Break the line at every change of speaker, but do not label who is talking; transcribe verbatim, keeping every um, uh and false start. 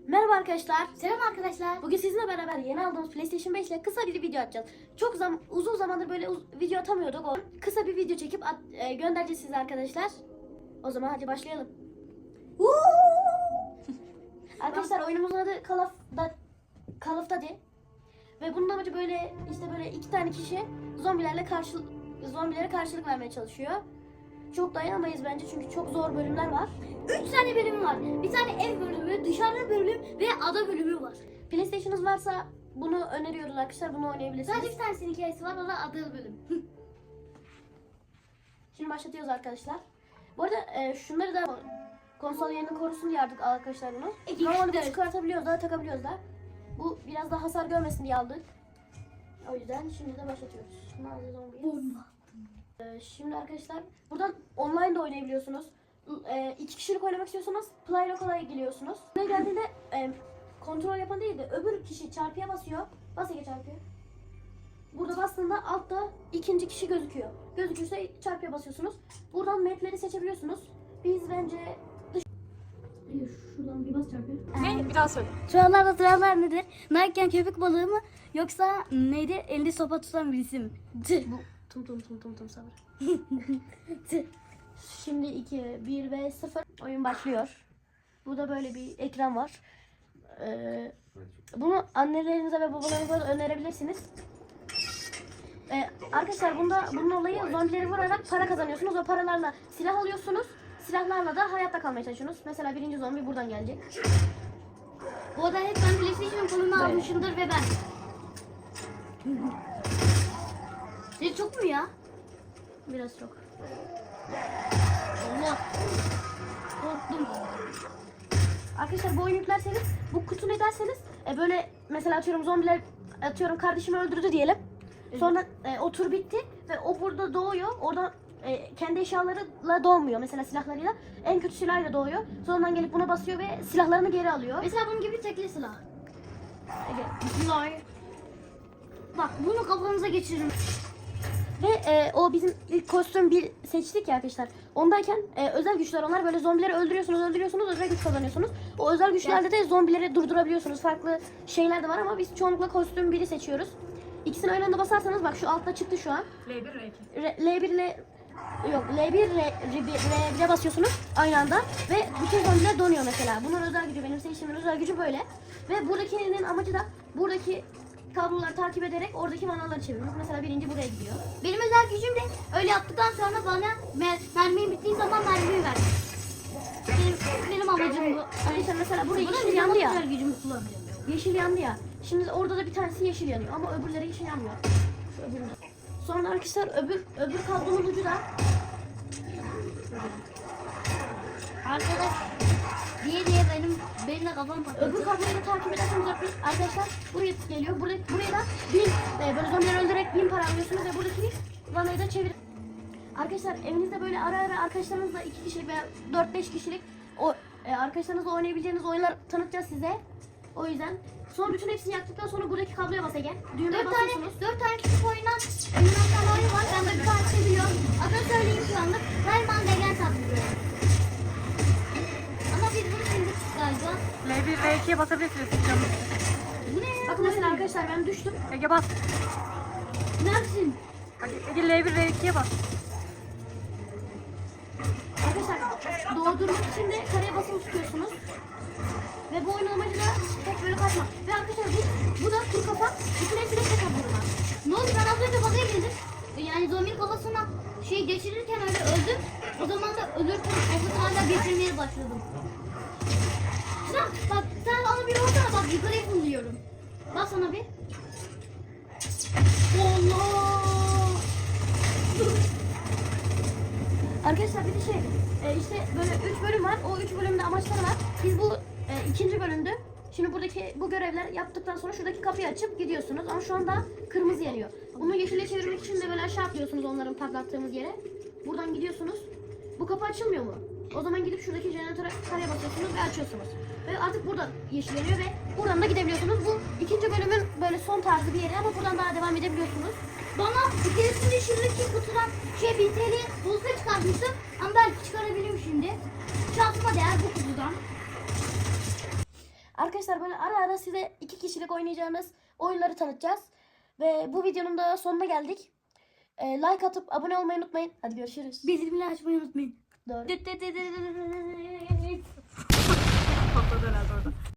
Merhaba arkadaşlar.
Selam arkadaşlar.
Bugün sizinle beraber yeni aldığımız PlayStation beş ile kısa bir video atacağız. Çok zam uzun zamandır böyle uz video atamıyorduk. O kısa bir video çekip at e, göndereceğiz size arkadaşlar. O zaman hadi başlayalım. Arkadaşlar oyunumuzun adı Call of, da, Call of Duty. Ve bunun amacı böyle işte böyle iki tane kişi zombilerle karşı zombilere karşılık vermeye çalışıyor. Çok dayanamayız bence çünkü çok zor bölümler var.
Üç tane bölüm var. Bir tane ev bölümü, dışarıda bölüm ve ada bölümü var.
PlayStation'ınız varsa bunu öneriyoruz arkadaşlar. Bunu oynayabilirsiniz.
Sadece bir tanesinin hikayesi var, o da ada bölüm.
Şimdi başlatıyoruz arkadaşlar. Bu arada e, şunları da konsol yerini korusun diye aldık arkadaşlar bunu.
İki
Normalde
kişi de-
çıkartabiliyoruz da takabiliyoruz da. Bu biraz daha hasar görmesin diye aldık. O yüzden şimdi de başlatıyoruz. Nazi zombi.
Bomba.
E, şimdi arkadaşlar buradan online de oynayabiliyorsunuz. E, iki kişilik oynamak istiyorsanız Play Local'a geliyorsunuz. Buraya geldiğinde e, kontrol yapan değil de öbür kişi çarpıya basıyor. Bas Ege çarpıya. Burada bastığında altta ikinci kişi gözüküyor. Gözükürse çarpıya basıyorsunuz. Buradan mapleri seçebiliyorsunuz. Biz bence dış... Şuradan bir bas çarpıya.
Ne? Bir daha söyle.
Sıralarda sıralar nedir? Narken köpek balığı mı yoksa neydi? Elinde sopa tutan birisi mi? Tüh.
Bu tum tum tum tum tum sabır. Şimdi iki, bir ve sıfır oyun başlıyor. Burada böyle bir ekran var. Ee, bunu annelerinize ve babalarınıza da önerebilirsiniz. Ee, arkadaşlar bunda bunun olayı zombileri vurarak para kazanıyorsunuz. O paralarla silah alıyorsunuz. Silahlarla da hayatta kalmaya çalışıyorsunuz. Mesela birinci zombi buradan gelecek.
Bu arada hep ben PlayStation kolunu almışımdır ve ben. Senin çok mu ya?
Biraz çok.
Allah. Korktum.
Arkadaşlar bu oyunu yüklerseniz, bu kutunu ederseniz e, böyle mesela atıyorum zombiler atıyorum kardeşimi öldürdü diyelim. Sonra e, o tur bitti ve o burada doğuyor. Oradan e, kendi eşyalarıyla doğmuyor. Mesela silahlarıyla. En kötü silahıyla doğuyor. Sonradan gelip buna basıyor ve silahlarını geri alıyor.
Mesela bunun gibi tekli silah.
Ege.
Bismillah. Bak bunu kafanıza geçiririm.
Ve e, o bizim ilk kostüm bir seçtik ya arkadaşlar. Ondayken e, özel güçler onlar böyle zombileri öldürüyorsunuz öldürüyorsunuz özel güç kazanıyorsunuz. O özel güçlerde de zombileri durdurabiliyorsunuz. Farklı şeyler de var ama biz çoğunlukla kostüm biri seçiyoruz. İkisini aynı anda basarsanız bak şu altta çıktı şu an.
L bir R iki.
R- L bir ile yok L bir R bire basıyorsunuz aynı anda ve bütün zombiler donuyor mesela. Bunun özel gücü benim seçtiğimin özel gücü böyle. Ve buradakinin amacı da buradaki kabloları takip ederek oradaki manaları çevirmek. Mesela birinci buraya gidiyor.
Benim özel gücüm de öyle yaptıktan sonra bana mer mermim bittiği zaman mermimi ver. Benim, benim amacım bu.
Arkadaşlar mesela buraya
Buna
yeşil yandı ya.
özel gücümü kullanacağım.
Yeşil yandı ya. Şimdi orada da bir tanesi yeşil yanıyor ama öbürleri yeşil yanmıyor. Şu öbüründe. Sonra arkadaşlar öbür öbür kablonun ucu da
Arkadaş diye diye benim benim de kafam patladı.
öbür kabloyu da takip ederseniz arkadaşlar buraya geliyor. Buraya, buraya da bin e, böyle zombileri öldürerek bin para alıyorsunuz ve buradaki vanayı da çevir. Arkadaşlar evinizde böyle ara ara arkadaşlarınızla iki kişilik veya dört beş kişilik o e, arkadaşlarınızla oynayabileceğiniz oyunlar tanıtacağız size. O yüzden sonra bütün hepsini yaktıktan sonra buradaki kabloya bas Ege. Düğmeye
Dört tane,
basıyorsunuz.
dört tane küçük oyundan, oyundan tane oyun var. Ben de bir tanesini biliyorum. Adını söyleyeyim şu anlık. Rayman Legend adlı. Ama biz bunu sildik galiba.
L bir R ikiye basabilirsiniz canım.
Bu ne ya?
Bakın mesela arkadaşlar ben düştüm.
Ege bas.
Neredesin?
Hadi Ege L bir R ikiye bas.
Arkadaşlar doğdurmak için de kareye basılı tutuyorsunuz. Ve bu oyunun amacı da tek böyle kaçmak. Ve arkadaşlar bu, bu da kuru kafa. Bütün hepsine tek vurmak.
Ne oldu? Ben az önce bagaya girdim. Yani zombi kafasına şey geçirirken öyle öldüm. O zaman da ölürken o hala geçirmeye başladım. Sen bak sen bana bir vursana bak yukarıya fırlıyorum. Bak sana bir. Allah!
Arkadaşlar bir de şey e, işte böyle üç bölüm var. O üç bölümde amaçları var. Biz bu e, ikinci bölümdü. Şimdi buradaki bu görevler yaptıktan sonra şuradaki kapıyı açıp gidiyorsunuz. Ama şu anda kırmızı yanıyor. Bunu yeşile çevirmek için de böyle aşağı atlıyorsunuz onların patlattığımız yere. Buradan gidiyorsunuz. Bu kapı açılmıyor mu? O zaman gidip şuradaki jeneratöre karaya basıyorsunuz ve açıyorsunuz. Ve artık burada yeşil yanıyor ve buradan da gidebiliyorsunuz. Bu ikinci bölümün böyle son tarzı bir yeri ama buradan daha devam edebiliyorsunuz.
Bana bir keresinde şuradaki kutudan şey bin T L bozka çıkartmıştım. Ama belki çıkarabilirim şimdi. Şansıma değer bu kutudan.
Arkadaşlar böyle ara ara size iki kişilik oynayacağınız oyunları tanıtacağız. Ve bu videonun da sonuna geldik. Ee, like atıp abone olmayı unutmayın. Hadi görüşürüz.
Bildirimleri açmayı unutmayın.
Doğru.
Patladı herhalde orada.